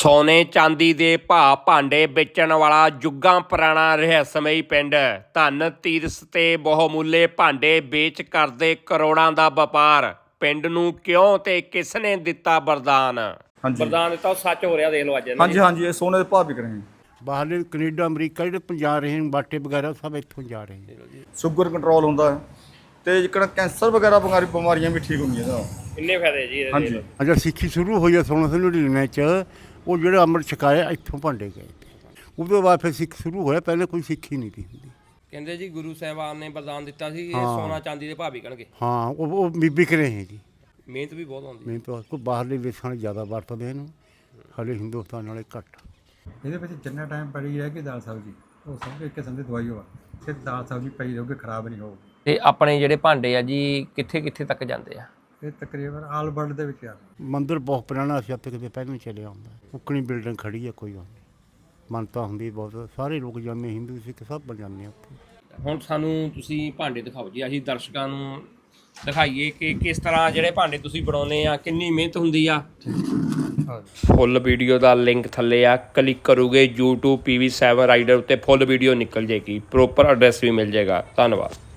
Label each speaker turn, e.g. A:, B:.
A: ਸੋਨੇ ਚਾਂਦੀ ਦੇ ਭਾਅ ਭਾਂਡੇ ਵੇਚਣ ਵਾਲਾ ਜੁੱਗਾਂ ਪੁਰਾਣਾ ਰਹੱਸਮਈ ਪਿੰਡ ਧਨ ਤੀਰਸ ਤੇ ਬਹੁਮੁੱਲੇ ਭਾਂਡੇ ਵੇਚ ਕਰਦੇ ਕਰੋੜਾਂ ਦਾ ਵਪਾਰ। ਪਿੰਡ ਨੂੰ ਕਿਉਂ ਤੇ ਕਿਸ ਨੇ ਦਿੱਤਾ ਵਰਦਾਨ? ਵਰਦਾਨ ਦਿੱਤਾ ਉਹ ਸੱਚ ਹੋ ਰਿਹਾ, ਦੇਖ ਲਓ ਅੱਜ।
B: ਹਾਂਜੀ ਇਹ ਸੋਨੇ ਦੇ ਭਾਅ ਵਿਕ ਰਹੇ हैं।
C: ਬਾਹਰਲੇ ਕੈਨੇਡਾ ਅਮਰੀਕਾ ਜਿਹੜੇ ਜਾ ਰਹੇ ਨੇ ਬਾਟੇ ਵਗੈਰਾ ਸਭ ਇੱਥੋਂ ਜਾ ਰਹੇ ਨੇ।
B: ਸ਼ੂਗਰ ਕੰਟਰੋਲ ਹੁੰਦਾ ਹੈ ਤੇ ਜਿਹੜਾ ਕੈਂਸਰ ਵਗੈਰਾ ਬਿਮਾਰੀਆਂ ਵੀ ਠੀਕ ਹੁੰਦੀਆਂ ਇਹਦਾ।
A: ਕਿੰਨੇ ਫਾਇਦੇ ਜੀ ਇਹਦੇ?
B: ਹਾਂਜੀ
C: ਅਜਾ ਸਿੱਖੀ ਸ਼ੁਰੂ ਹੋਈ ਆ 1699 ਚ, ਉਹ ਜਿਹੜਾ ਅੰਮ੍ਰਿਤ ਛਕਾਇਆ ਇੱਥੋਂ ਭਾਂਡੇ ਗਏ ਉਹ ਤੋਂ ਬਾਅਦ ਫਿਰ ਸਿੱਖ ਸ਼ੁਰੂ ਹੋਇਆ। ਪਹਿਲੇ ਕੋਈ ਸਿੱਖੀ ਨਹੀਂ ਸੀ ਹੁੰਦੀ।
A: ਕਹਿੰਦੇ ਜੀ ਗੁਰੂ ਸਾਹਿਬਾਨ ਨੇ ਵਰਦਾਨ ਦਿੱਤਾ ਸੀ ਇਹ ਸੋਨਾ ਚਾਂਦੀ ਦੇ ਭਾਅ ਵਿਕਣਗੇ।
C: ਹਾਂ ਉਹ ਵਿਕ ਰਹੇ ਹੈ ਜੀ।
A: ਮਿਹਨਤ ਵੀ ਬਹੁਤ ਆਉਂਦੀ।
C: ਮਿਹਨਤ ਕੋਈ ਬਾਹਰਲੇ ਦੇਸ਼ਾਂ ਵਾਲੇ ਜ਼ਿਆਦਾ ਵਰਤਦੇ ਇਹਨੂੰ, ਸਾਡੇ ਹਿੰਦੁਸਤਾਨ ਵਾਲੇ ਘੱਟ।
D: ਇਹਦੇ ਵਿੱਚ ਜਿੰਨਾ ਟਾਈਮ ਪਈ ਰਹੇਗੀ ਦਾਲ ਸਬਜ਼ੀ ਉਹ ਸਭ ਇੱਕ ਕਿਸਮ ਦੀ ਦਵਾਈ ਹੋਵਾ, ਸਿਰਫ ਦਾਲ ਸਬਜ਼ੀ ਪਈ ਰਹੂਗੀ, ਖਰਾਬ ਨਹੀਂ ਹੋਊਗੀ।
A: ਤੇ ਆਪਣੇ ਜਿਹੜੇ ਭਾਂਡੇ ਆ ਜੀ ਕਿੱਥੇ ਕਿੱਥੇ ਤੱਕ ਜਾਂਦੇ ਆ?
D: ਇਹ ਤਕਰੀਬਨ ਆਲ ਵਰਲਡ ਦੇ ਵਿੱਚ ਆ।
C: ਮੰਦਿਰ ਬਹੁਤ ਪੁਰਾਣਾ ਸੀ, ਹੱਥ ਕਿਤੇ ਪਹਿਲਾਂ ਚੱਲਿਆ ਹੁੰਦਾ। ਉੱਕਣੀ ਬਿਲਡਿੰਗ ਖੜੀ ਆ, ਕੋਈ ਗੱਲ ਨਹੀਂ। ਮਾਨਤਾ ਹੁੰਦੀ ਬਹੁਤ, ਸਾਰੇ ਲੋਕ ਜਾਂਦੇ, ਹਿੰਦੂ ਸਿੱਖ ਸਭ ਜਾਂਦੇ ਉੱਥੇ।
A: ਹੁਣ ਸਾਨੂੰ ਤੁਸੀਂ ਭਾਂਡੇ ਦਿਖਾਓ ਜੀ, ਅਸੀਂ ਦਰਸ਼ਕਾਂ ਨੂੰ ਦਿਖਾਈਏ ਕਿ ਕਿਸ ਤਰ੍ਹਾਂ ਜਿਹੜੇ ਭਾਂਡੇ ਤੁਸੀਂ ਬਣਾਉਂਦੇ ਆ, ਕਿੰਨੀ ਮਿਹਨਤ ਹੁੰਦੀ ਆ। ਫੁੱਲ ਵੀਡੀਓ ਦਾ ਲਿੰਕ ਥੱਲੇ ਆ, ਕਲਿੱਕ ਕਰੋਗੇ YouTube PV7 ਰਾਈਡਰ ਉੱਤੇ ਫੁੱਲ ਵੀਡੀਓ ਨਿਕਲ ਜਾਏਗੀ, ਪ੍ਰੋਪਰ ਐਡਰੈਸ ਵੀ ਮਿਲ ਜਾਏਗਾ। ਧੰਨਵਾਦ।